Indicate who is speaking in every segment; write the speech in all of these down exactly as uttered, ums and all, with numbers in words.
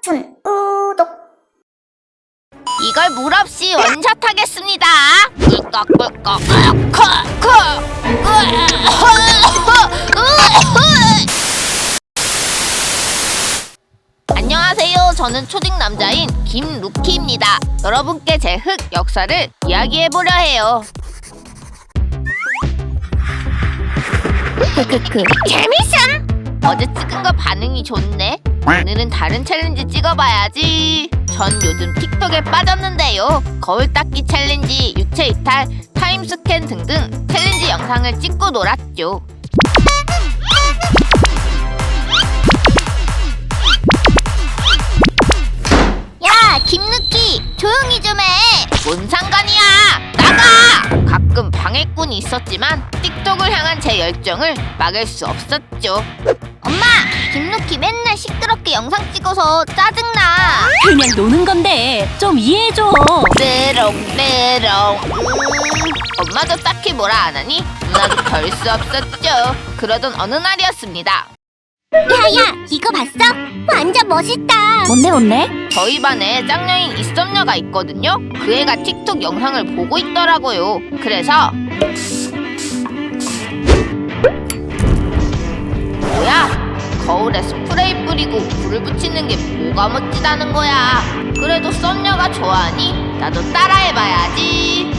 Speaker 1: 춘 우독.
Speaker 2: 이걸 물 없이 원샷하겠습니다. 꿀꺽꿀꺽. 안녕하세요. 저는 초딩 남자인 김루키입니다. 여러분께 제 흑 역사를 이야기해보려 해요. 크크크 재밌음! 어제 찍은 거 반응이 좋네. 오늘은 다른 챌린지 찍어봐야지. 전 요즘 틱톡에 빠졌는데요. 거울 닦기 챌린지, 유체 이탈, 타임 스캔 등등 챌린지 영상을 찍고 놀았죠. 야, 김누키! 조용히 좀 해! 뭔 상관이야! 나가! 가끔 방해꾼이 있었지만 틱톡을 향한 제 열정을 막을 수 없었죠. 엄마! 김누키 맨날 시끄럽게 영상 찍어서 짜증나.
Speaker 3: 그냥 노는 건데 좀 이해해줘.
Speaker 2: 메롱메롱. 음. 엄마도 딱히 뭐라 안 하니 누나도 별 수 없었죠. 그러던 어느 날이었습니다.
Speaker 1: 야야, 이거 봤어? 완전 멋있다.
Speaker 3: 뭔데 뭔데?
Speaker 2: 저희 반에 짱녀인 이썸녀가 있거든요. 그 애가 틱톡 영상을 보고 있더라고요. 그래서 뭐야? 거울에 스프레이 뿌리고 불을 붙이는 게 뭐가 멋지다는 거야. 그래도 썸녀가 좋아하니 나도 따라해봐야지.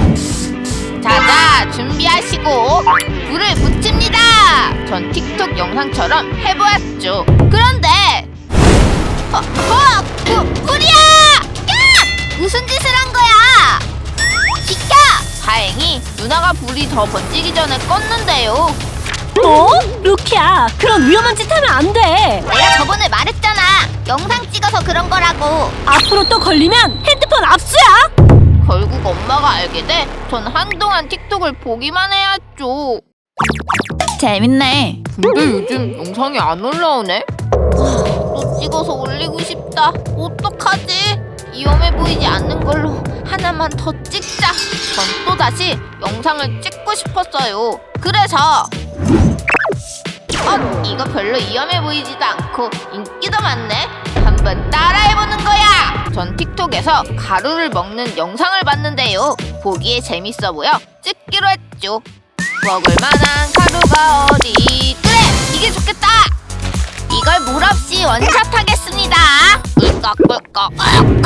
Speaker 2: 자자, 준비하시고 불을 붙입니다. 전 틱톡 영상처럼 해보았죠. 그런데 어, 어, 부, 불이야! 야! 무슨 짓을 한 거야? 비켜! 다행히 누나가 불이 더 번지기 전에 껐는데요.
Speaker 3: 어? 루키야, 그런 위험한 짓 하면 안 돼.
Speaker 2: 내가 저번에 말했잖아. 영상 찍어서 그런 거라고.
Speaker 3: 앞으로 또 걸리면 핸드폰 압수야.
Speaker 2: 결국 엄마가 알게 돼 전 한동안 틱톡을 보기만 해야죠.
Speaker 3: 재밌네.
Speaker 2: 근데 요즘 영상이 안 올라오네? 또 찍어서 올리고 싶다. 어떡하지? 위험해 보이지 않는 걸로 하나만 더 찍자. 전 또다시 영상을 찍고 싶었어요. 그래서 어? 이거 별로 위험해 보이지도 않고 인기도 많네? 한번 따라해보는 거야! 전 틱톡에서 가루를 먹는 영상을 봤는데요. 보기에 재밌어 보여 찍기로 했죠. 먹을 만한 가루가 어디? 그래! 이게 좋겠다! 이걸 물 없이 원샷하겠습니다. 꿀꺽꿀꺽.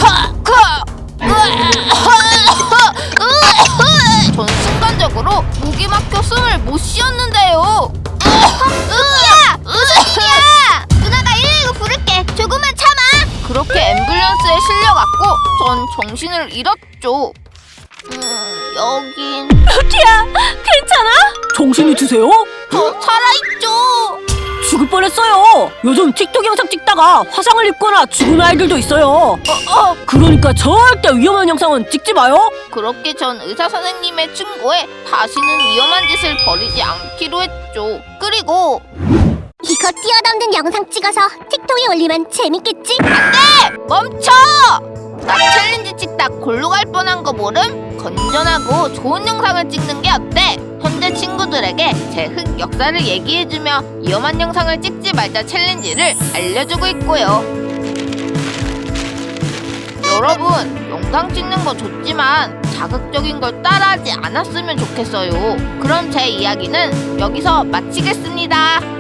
Speaker 2: 전 순간적으로 목이 막혀 숨을 못 쉬었는데요. 루키야! 무슨 일이야! 누나가 일일구 부를게. 조금만 참아. 그렇게 앰뷸런스에 실려갔고 전 정신을 잃었죠. 음, 여긴
Speaker 3: 루키야, 괜찮아? 정신이 드세요?
Speaker 2: 저 살아있죠.
Speaker 3: 죽을 뻔했어요. 요즘 틱톡 영상 찍다가 화상을 입거나 죽은 아이들도 있어요.
Speaker 2: 어, 어.
Speaker 3: 그러니까 절대 위험한 영상은 찍지 마요.
Speaker 2: 그렇게 전 의사 선생님의 충고에 다시는 위험한 짓을 벌이지 않기로 했죠. 그리고
Speaker 1: 이거 뛰어넘는 영상 찍어서 틱톡에 올리면 재밌겠지?
Speaker 2: 안돼! 멈춰! 나 챌린지 찍다 골로 갈 뻔한 거 모름? 건전하고 좋은 영상을 찍는 게 어때? 현재 친구들에게 제 흑 역사를 얘기해주며 위험한 영상을 찍지 말자 챌린지를 알려주고 있고요. 여러분, 영상 찍는 거 좋지만 자극적인 걸 따라하지 않았으면 좋겠어요. 그럼 제 이야기는 여기서 마치겠습니다.